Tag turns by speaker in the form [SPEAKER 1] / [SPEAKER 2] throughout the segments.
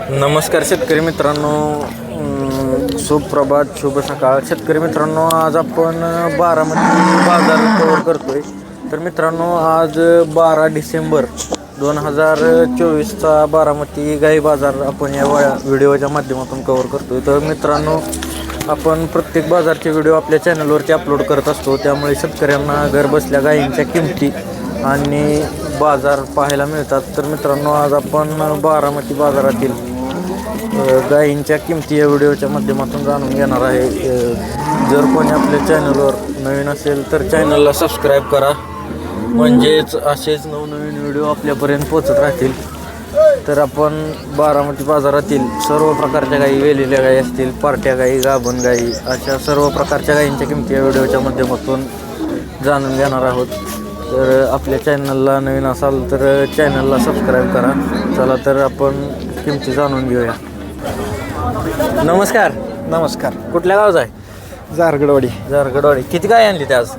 [SPEAKER 1] नमस्कार शेतकरी मित्रांनो, सुप्रभात, शुभ सकाळ. शेतकरी मित्रांनो, आज आपण बारामती बाजार कव्हर करतोय. तर मित्रांनो, आज 12 डिसेंबर 2024चा बारामती गाई बाजार आपण या व्हिडिओच्या माध्यमातून कव्हर करतोय. तर मित्रांनो, आपण प्रत्येक बाजारचे व्हिडिओ आपल्या चॅनलवरती अपलोड करत असतो. त्यामुळे शेतकऱ्यांना घरबसल्या गायींच्या किमती आणि बाजार पाहायला मिळतात. तर मित्रांनो, आज आपण बारामती बाजारातील गायींच्या किमती या व्हिडिओच्या माध्यमातून जाणून घेणार आहे. जर कोणी आपल्या चॅनलवर नवीन असेल तर चॅनलला सबस्क्राईब करा, म्हणजेच असेच नवनवीन व्हिडिओ आपल्यापर्यंत पोचत राहतील. तर आपण बारामती बाजारातील सर्व प्रकारच्या गायी, वेलेल्या गायी असतील, पार्ट्या गायी, गाभण गायी, अशा सर्व प्रकारच्या गायींच्या किमती या व्हिडिओच्या माध्यमातून जाणून घेणार आहोत. तर आपल्या चॅनलला नवीन असाल तर चॅनलला सबस्क्राईब करा. चला तर आपण किमती जाणून घेऊया. नमस्कार.
[SPEAKER 2] नमस्कार.
[SPEAKER 1] कुठल्या गावचा आहे?
[SPEAKER 2] जारगडवाडी.
[SPEAKER 1] जारगडवाडी. किती गाय आणली ते आज?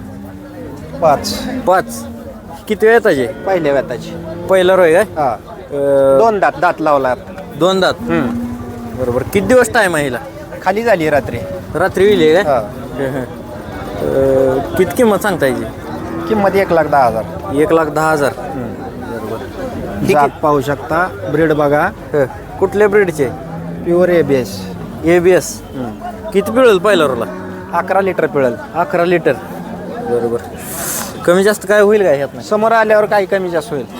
[SPEAKER 2] 5.
[SPEAKER 1] किती वेळ येताचे?
[SPEAKER 2] पहिल्या व्यताची.
[SPEAKER 1] पहिला रोय काय?
[SPEAKER 2] हा. 2 दात लावला.
[SPEAKER 1] 2 दात. बरोबर. किती दिवस टाईम आहे हिला?
[SPEAKER 2] खाली झाली रात्री.
[SPEAKER 1] रात्री विली काय?
[SPEAKER 2] हा.
[SPEAKER 1] किती किंमत सांगता याची?
[SPEAKER 2] किंमत 1,10,000.
[SPEAKER 1] 1,10,000.
[SPEAKER 2] जात पाहू शकता. ब्रीड बघा.
[SPEAKER 1] कुठल्या ब्रीडचे?
[SPEAKER 2] Pure ABS.
[SPEAKER 1] ABS. किती पिळेल पहिला रोला?
[SPEAKER 2] 11 लिटर पिळल.
[SPEAKER 1] 11 लिटर. बरोबर. कमी जास्त काय होईल काय ह्यात?
[SPEAKER 2] समोर आल्यावर काही कमी जास्त होईल.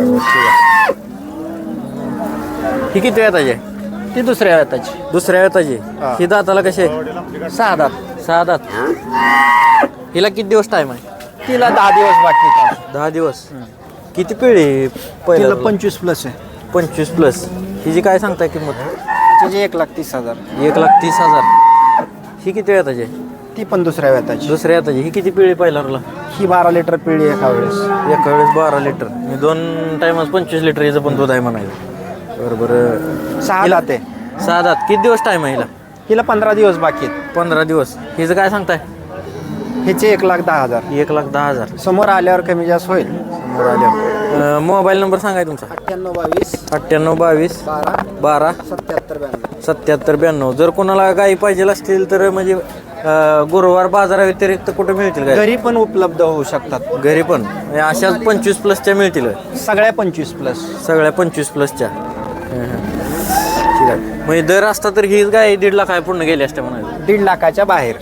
[SPEAKER 1] ही किती वेताची?
[SPEAKER 2] ती दुसऱ्या व्यताची.
[SPEAKER 1] दुसऱ्या वेताची.
[SPEAKER 2] हा.
[SPEAKER 1] ही दाताला कसे?
[SPEAKER 2] 6 दात.
[SPEAKER 1] 6 दात. हिला किती दिवस टाईम आहे?
[SPEAKER 2] तिला 10 दिवस बाकी आहेत.
[SPEAKER 1] 10 दिवस. किती पिढी पहिला?
[SPEAKER 2] तिला 25 प्लस आहे.
[SPEAKER 1] 25 प्लस. हिची काय सांगताय किंमत?
[SPEAKER 2] तिची 1,30,000.
[SPEAKER 1] 1,30,000. ही किती वेताची?
[SPEAKER 2] ती पण दुसऱ्या व्यताची.
[SPEAKER 1] दुसऱ्या वेताची. ही किती पिढी पहिला रोला?
[SPEAKER 2] ही 12 लिटर पिळी एका वेळेस.
[SPEAKER 1] एका वेळेस 12 लिटर. मी 2 टायमात 25 लिटर हिचं पण दूध आहे म्हणायचं. बरोबर.
[SPEAKER 2] 6 दात आहे.
[SPEAKER 1] 6 दात. किती दिवस टाईम आहे हिला?
[SPEAKER 2] हिला 15 दिवस बाकी आहेत.
[SPEAKER 1] 15 दिवस. हिचं काय सांगताय?
[SPEAKER 2] हिचे 1,10,000.
[SPEAKER 1] 1,10,000.
[SPEAKER 2] समोर आल्यावर कमी जास्त होईल.
[SPEAKER 1] समोर आल्या. मोबाईल नंबर सांगाय तुमचा?
[SPEAKER 2] 9822
[SPEAKER 1] 9822 12 77 92. जर कोणाला गाई पाहिजे असतील तर म्हणजे गुरुवार बाजाराव्यतिरिक्त कुठे मिळतील गाई?
[SPEAKER 2] घरी पण उपलब्ध होऊ शकतात.
[SPEAKER 1] घरी पण म्हणजे अशाच 25 प्लसच्या मिळतील?
[SPEAKER 2] सगळ्या 25 प्लस.
[SPEAKER 1] सगळ्या 25 प्लसच्या. ठीक आहे. म्हणजे दर असता तर ही गाय 1.5 लाख पूर्ण गेली असते म्हणायचं.
[SPEAKER 2] 1.5 लाखाच्या बाहेर.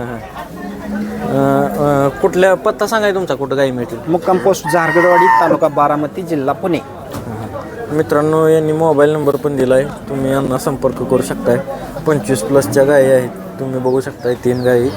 [SPEAKER 1] कुठल्या पत्ता सांगाय तुमचा, कुठं गाई मिळतील?
[SPEAKER 2] मुक्काम पोस्ट जारगडवाडी, तालुका बारामती, जिल्हा पुणे.
[SPEAKER 1] मित्रांनो, यांनी मोबाईल नंबर पण दिला आहे, तुम्ही यांना संपर्क करू शकताय. 25 प्लसच्या गायी आहेत, तुम्ही बघू शकताय 3 गायी.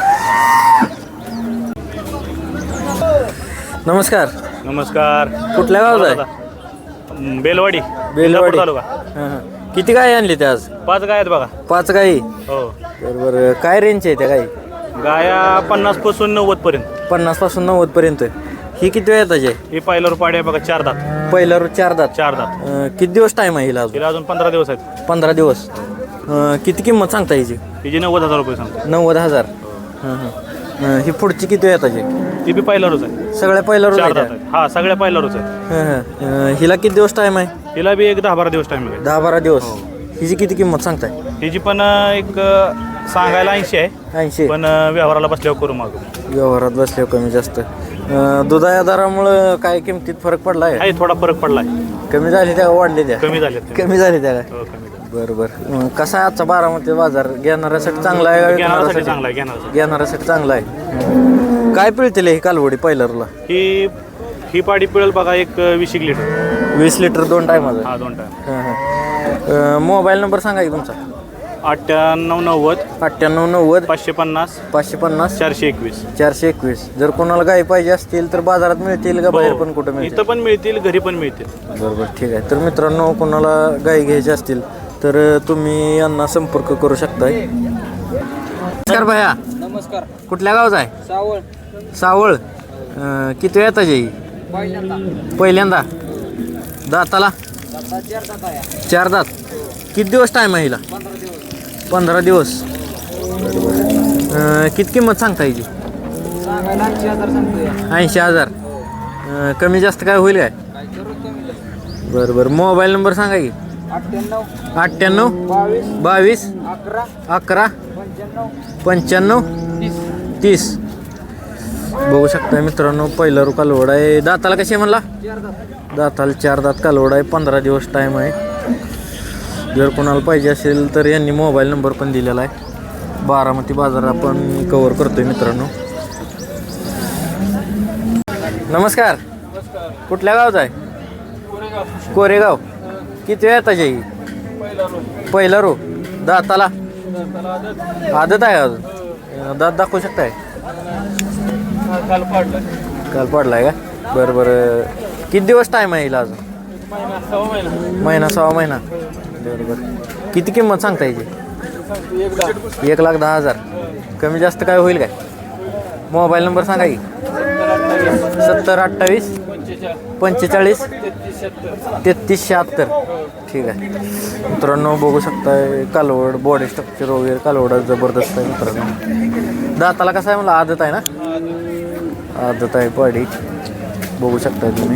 [SPEAKER 1] नमस्कार.
[SPEAKER 3] नमस्कार.
[SPEAKER 1] कुठल्या गावात आहे?
[SPEAKER 3] बेलवाडी.
[SPEAKER 1] बेलवाडी.
[SPEAKER 3] तालुका.
[SPEAKER 1] किती गायी आणली त्या आज?
[SPEAKER 3] 5 गाय आहेत बघा.
[SPEAKER 1] 5 गायी.
[SPEAKER 3] हो.
[SPEAKER 1] बरोबर. काय रेंज आहे त्या गायी?
[SPEAKER 3] गाया 50 पासून 90 पर्यंत.
[SPEAKER 1] 50 पासून 90 पर्यंत. ही किती वेळ येताची आहे?
[SPEAKER 3] ही पहिल्यावर पाडी आहे बघा. 4 दात.
[SPEAKER 1] पहिल्यावर 4 दात.
[SPEAKER 3] 4 दात.
[SPEAKER 1] किती दिवस टाईम आहे हिला अजून?
[SPEAKER 3] तिला अजून 15 दिवस आहेत.
[SPEAKER 1] 15 दिवस. किती किंमत सांगता हिची?
[SPEAKER 3] तिची 90,000 रुपये सांगतो.
[SPEAKER 1] 90,000. ही पुढची किती वेळ येताची?
[SPEAKER 3] ती बी पहिल्यावरच आहे.
[SPEAKER 1] सगळ्या पहिल्यावर
[SPEAKER 3] 4 दात आहेत. हा, सगळ्या पहिल्यावरच आहे.
[SPEAKER 1] हिला किती दिवस टाईम आहे?
[SPEAKER 3] तिला बी एक 10-12 दिवस टाइम आहे.
[SPEAKER 1] 10-12 दिवस. हिची किती किंमत सांगताय?
[SPEAKER 3] तिची पण एक सांगायला 80 आहे,
[SPEAKER 1] 80.
[SPEAKER 3] पण व्यवहाराला बसल्यावर करू मागू.
[SPEAKER 1] व्यवहारात बसल्यावर कमी जास्त. दुधाच्या दरामुळं काय किमतीत फरक पडला आहे?
[SPEAKER 3] आहे थोडा फरक पडलाय.
[SPEAKER 1] कमी झाली त्या वाढले त्या?
[SPEAKER 3] कमी झाले.
[SPEAKER 1] कमी झाली त्या काय?
[SPEAKER 3] हो, कमी झाले.
[SPEAKER 1] बरं. कसा आहे आजचा बारामती बाजार? घेणाऱ्यासाठी चांगला आहे का?
[SPEAKER 3] घेणाऱ्यासाठी चांगला आहे. घेणाऱ्यासाठी
[SPEAKER 1] घेणाऱ्यासाठी चांगला आहे. काय पिळतील ही कालवडी पहिल्याला?
[SPEAKER 3] ही पाडी पिळेल बघा एक 20 लिटर.
[SPEAKER 1] 20 लिटर 2 टायमाचा?
[SPEAKER 3] हा, 2 टाइम.
[SPEAKER 1] मोबाईल नंबर सांगा की तुमचा?
[SPEAKER 3] 9890
[SPEAKER 1] 9890
[SPEAKER 3] 550
[SPEAKER 1] 550
[SPEAKER 3] 421.
[SPEAKER 1] 421. जर कोणाला गाई पाहिजे असतील तर बाजारात मिळतील का बाहेर पण कुठं मिळतील?
[SPEAKER 3] इथं पण मिळतील, घरी पण मिळतील.
[SPEAKER 1] बरोबर. ठीक आहे. तर मित्रांनो, कोणाला गाई घ्यायची असतील तर तुम्ही यांना संपर्क करू शकताय. नमस्कार भैया.
[SPEAKER 2] नमस्कार.
[SPEAKER 1] कुठल्या गावचा आहे?
[SPEAKER 2] सावळ.
[SPEAKER 1] सावळ. किती वेळ येताची? पहिल्यांदा. दाताला? 4 दात. किती दिवस टाईम आहे हिला? 15 दिवस. किती किंमत सांगता हिची? 80,000. कमी जास्त काय होईल काय? बरं. मोबाईल नंबर सांगा की? 98 22 11 95 30. बघू शकता मित्रांनो, पहिला कालवड आहे. दाताला कशी आहे म्हणला? दाताला 4 दात कालवड आहे. 15 दिवस टाईम आहे. जर कोणाला पाहिजे असेल तर यांनी मोबाईल नंबर पण दिलेला आहे. बारामती बाजार आपण कव्हर करतोय मित्रांनो. नमस्कार. कुठल्या गावचा आहे? कोरेगाव. किती वेळ येता जाई? पहिला रो. दाताला आदत आहे अजून? दात दाखवू शकताय? काल पडलाय का? बरं बरं. किती दिवस टाईम आहे हिला अजून? महिना 6 महिना. बरं बरं. किती किंमत सांगता याची? 1,10,000. कमी जास्त काय होईल काय? मोबाईल नंबर सांगा की. 70 28 45 33 76. ठीक आहे मित्रांनो, बघू शकताय कालवड, बॉडी स्ट्रक्चर वगैरे कालवड जबरदस्त आहे मित्रांनो. दाताला कसं आहे मला? आदत आहे ना? आदत आहे बॉडी. बघू शकताय तुम्ही.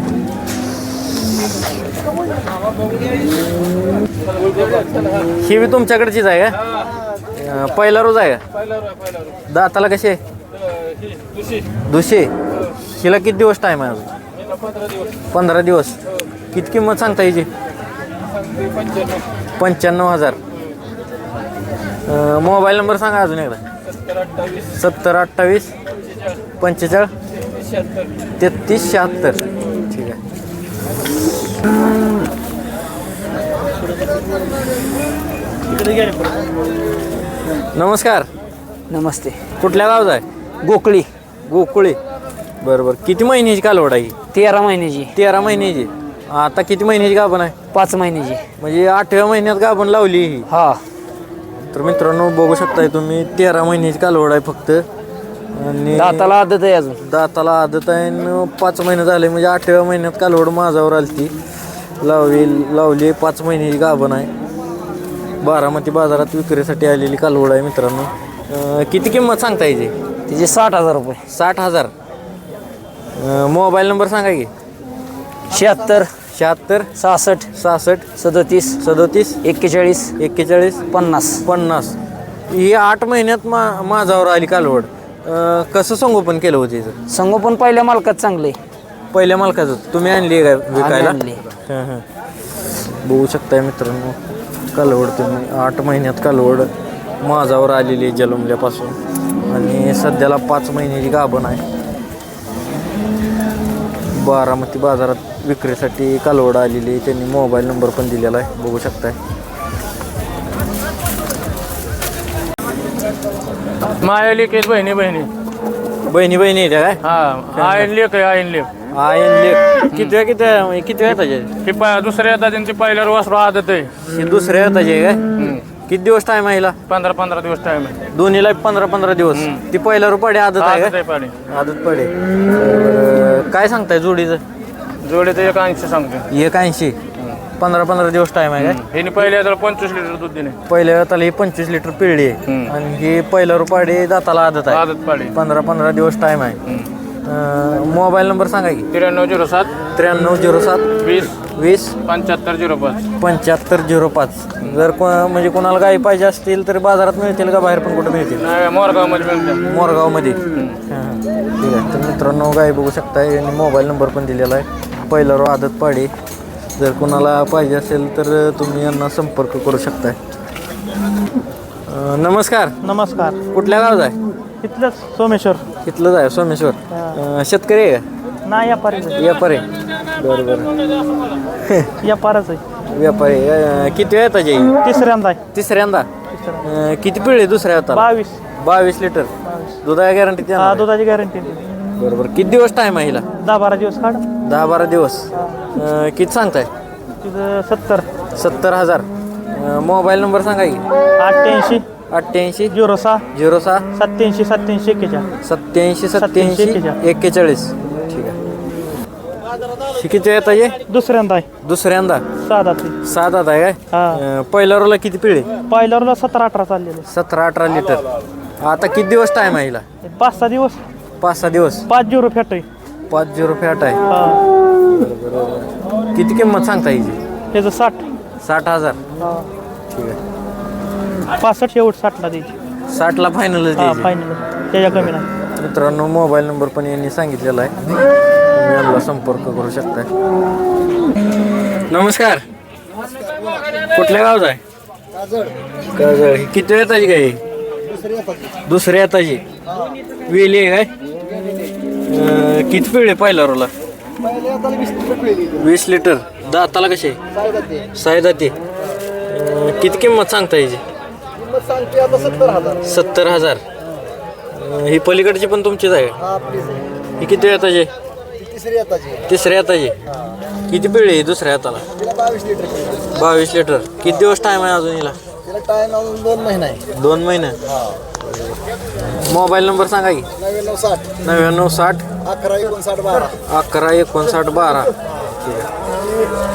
[SPEAKER 1] ही बी तुमच्याकडचीच आहे का? पहिला रोज आहे का? दाताला कशी आहे? दुसरे. हिला किती दिवस टाईम आहे अजून? 15 दिवस. किती किंमत सांगता याची? 95,000. मोबाईल नंबर सांगा अजून एकदा. 70 28 45 33 76. ठीक आहे. नमस्कार.
[SPEAKER 4] नमस्ते.
[SPEAKER 1] कुठल्या गावचा आहे?
[SPEAKER 4] गोकळी.
[SPEAKER 1] गोकुळी. बरं बरं. किती महिन्याची कालवड आहे?
[SPEAKER 4] 13 महिन्याची.
[SPEAKER 1] 13 महिन्याची. आता किती महिन्याची गाभण आहे?
[SPEAKER 4] 5 महिन्याची.
[SPEAKER 1] म्हणजे 8व्या महिन्यात गाभण लावली ही.
[SPEAKER 4] हा.
[SPEAKER 1] तर मित्रांनो बघू शकताय तुम्ही, 13 महिन्याची कालवड आहे फक्त. आणि
[SPEAKER 4] दाताला आदत आहे अजून.
[SPEAKER 1] दाताला आदत आहे आणि 5 महिने झाले. म्हणजे 8व्या महिन्यात कालवड माझ्यावर आली. लावली 5 महिन्याची गाभण आहे. बारामती बाजारात विक्रीसाठी आलेली कालवड आहे मित्रांनो. किती किंमत सांगता यायची?
[SPEAKER 4] तिचे 60,000 रुपये.
[SPEAKER 1] 60,000. मोबाईल नंबर सांगा की.
[SPEAKER 4] 76
[SPEAKER 1] 76
[SPEAKER 4] 66
[SPEAKER 1] 66
[SPEAKER 4] 37
[SPEAKER 1] 37
[SPEAKER 4] 41
[SPEAKER 1] 41
[SPEAKER 4] 50.
[SPEAKER 1] 50. ही 8 महिन्यात माझ्यावर आली कालवड. कसं संगोपन केलं होतं हिचं?
[SPEAKER 4] संगोपन पहिल्या मालकात चांगले.
[SPEAKER 1] पहिल्या मालकाचं तुम्ही आणली काय विकायला?
[SPEAKER 4] आणली.
[SPEAKER 1] हां हां. बघू शकताय मित्रांनो, कालवड तुम्ही 8 महिन्यात कालवड माझ्यावर आलेली जन्मल्यापासून. आणि सध्याला 5 महिन्याची गाभण आहे. बारामती बाजारात विक्रीसाठी कालवड आलेली. त्यांनी मोबाईल नंबर पण दिलेला आहे. बघू शकताय.
[SPEAKER 5] माया लेख आहेत बहिणी
[SPEAKER 1] बहिणी येत्या काय?
[SPEAKER 5] हा. आयन लेख आहे, आयन लेख.
[SPEAKER 1] आयन लेख. किती वेळ त्याचे?
[SPEAKER 5] हे दुसऱ्या येतात त्यांची पहिल्यावर वासरू आदत आहे.
[SPEAKER 1] ही दुसऱ्या येताचे काय? किती दिवस टाइम आहे हिला?
[SPEAKER 5] 15 दिवस टाइम आहे.
[SPEAKER 1] दोन्हीला 15 दिवस. ती पहिला रुपये आदत आहे
[SPEAKER 5] आदत
[SPEAKER 1] का?
[SPEAKER 5] आहे पाणी.
[SPEAKER 1] आदत पडे. काय सांगताय जोडीचं?
[SPEAKER 5] जोडे तर 180 सांगतो.
[SPEAKER 1] 180. 15 दिवस टाइम आहे काय?
[SPEAKER 5] हे पहिल्या येतात 25 लिटर दूध दिले.
[SPEAKER 1] पहिल्या वेळेला ही 25 लिटर पिळली आहे. आणि ही पहिला रुपये दाताला आदत आहे.
[SPEAKER 5] आदत पाडी.
[SPEAKER 1] 15 दिवस टाइम आहे. मोबाईल नंबर सांगा की.
[SPEAKER 5] 9307
[SPEAKER 1] 9307
[SPEAKER 5] 20
[SPEAKER 1] 20
[SPEAKER 5] 7505.
[SPEAKER 1] 7505. जर म्हणजे कोणाला गाई पाहिजे असतील तर बाजारात मिळतील का? बाहेर पण कुठं मिळतील?
[SPEAKER 5] मोरगावमध्ये मिळतात.
[SPEAKER 1] मोरगावमध्ये. ठीक आहे. तर मित्रांनो गाई बघू शकताय आणि मोबाईल नंबर पण दिलेला आहे. पहिला रो आदत पाडी. जर कोणाला पाहिजे असेल तर तुम्ही यांना संपर्क करू शकताय. नमस्कार.
[SPEAKER 6] नमस्कार.
[SPEAKER 1] कुठल्या गावात आहे?
[SPEAKER 6] इथलंच सोमेश्वर.
[SPEAKER 1] इथलंच आहे सोमेश्वर. शेतकरी आहे का?
[SPEAKER 6] नाही व्यापारी.
[SPEAKER 1] व्यापारी. बरं बरं.
[SPEAKER 6] व्यापारच आहे.
[SPEAKER 1] व्यापारी. किती वेळ येतात जाई?
[SPEAKER 6] तिसऱ्यांदा आहे.
[SPEAKER 1] तिसऱ्यांदा. किती पिळे दुसऱ्या होता? 22 लिटर. दुधाची गॅरंटी?
[SPEAKER 6] हा, दुधाची गॅरंटी.
[SPEAKER 1] बरोबर. किती दिवस टाइम आहे हिला?
[SPEAKER 6] 10-12 दिवस काढ.
[SPEAKER 1] 10-12 दिवस. किती सांगताय?
[SPEAKER 6] तिथं
[SPEAKER 1] 70,000. मोबाईल नंबर सांगा की.
[SPEAKER 6] 88
[SPEAKER 1] 88
[SPEAKER 6] 06
[SPEAKER 1] 06
[SPEAKER 6] 87 87 41.
[SPEAKER 1] 87 41. ठीक आहे. किती येत आहे?
[SPEAKER 6] दुसऱ्यांदा आहे.
[SPEAKER 1] दुसऱ्यांदा.
[SPEAKER 6] 6 दाते.
[SPEAKER 1] 7 दात आहे काय?
[SPEAKER 6] हा.
[SPEAKER 1] पहिल्या रोला किती पिळे?
[SPEAKER 6] पहिल्यावरला 17-18 चाललेले.
[SPEAKER 1] 17-18 लिटर. आता किती दिवस टाइम आहे हिला?
[SPEAKER 6] 5-6 दिवस.
[SPEAKER 1] 5-6 दिवस.
[SPEAKER 6] 5 फॅट आहे.
[SPEAKER 1] 50 फॅट आहे.
[SPEAKER 6] हा.
[SPEAKER 1] बरोबर. किती किंमत सांगता हिची?
[SPEAKER 6] त्याचं 60.
[SPEAKER 1] 60,000
[SPEAKER 6] हा.
[SPEAKER 1] ठीक आहे.
[SPEAKER 6] 65 शेवट 60ला द्यायची.
[SPEAKER 1] 60ला फायनलच
[SPEAKER 6] हा
[SPEAKER 1] द्यायची.
[SPEAKER 6] फायनल त्याच्या कमी नाही.
[SPEAKER 1] मित्रांनो मोबाईल नंबर पण यांनी सांगितलेला आहे, तुम्ही यांना संपर्क करू शकताय. नमस्कार, कुठल्या गावचा आहे? काजळ. ही किती येताची काय? दुसऱ्या येताची. वेली आहे काय? किती पिळे पहिला रोला? 20 लिटर. दाताला कसे? साई दाती. किती किंमत सांगता याची? 70,000. ही पलीकडची पण तुमचीच आहे? ही किती येताची? तिसऱ्या येताची. किती पिळे आहे दुसऱ्या हाताला? 22 लिटर. किती दिवस टाइम आहे अजून हिला? 2 महिने. मोबाईल नंबर सांगा की. 9960 11 59 12. ठीक आहे.